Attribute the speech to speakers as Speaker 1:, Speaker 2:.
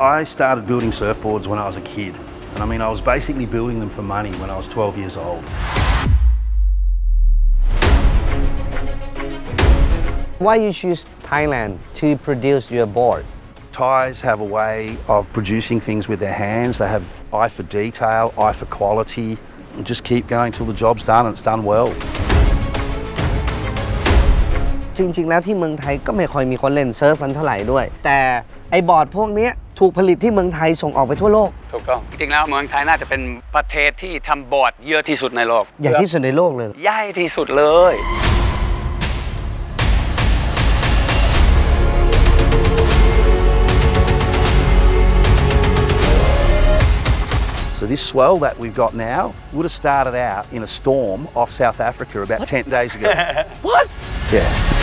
Speaker 1: I started building surfboards when I was a kid. And I mean, I was basically building them for money when I was 12 years old.
Speaker 2: Why you choose Thailand to produce your board?
Speaker 1: Thais have a way of producing things with their hands. They have eye for detail, eye for quality, and just keep going till the job's done and it's done well.
Speaker 2: จริงๆแล้วที่เมืองไทยก็ไม่ค่อยมีคนเล่นเซิร์ฟกันเท่าไหร่ด้วยแต่ไอ้บอร์ดพวกนี้ถูกผลิตที่เมืองไทยส่งออกไปทั่วโลก
Speaker 3: ถูกต้องจริงๆแล้วเมืองไทยน่าจะเป็นประเทศที่ทำบอร์ดเยอะที่สุดในโลก
Speaker 2: ใหญ่ที่สุดในโลกเลย
Speaker 3: ใหญ่ที่สุดเลย
Speaker 1: So this swell that we've got now would have started out in a storm off South Africa about 10 days ago.
Speaker 2: What?
Speaker 1: Yeah.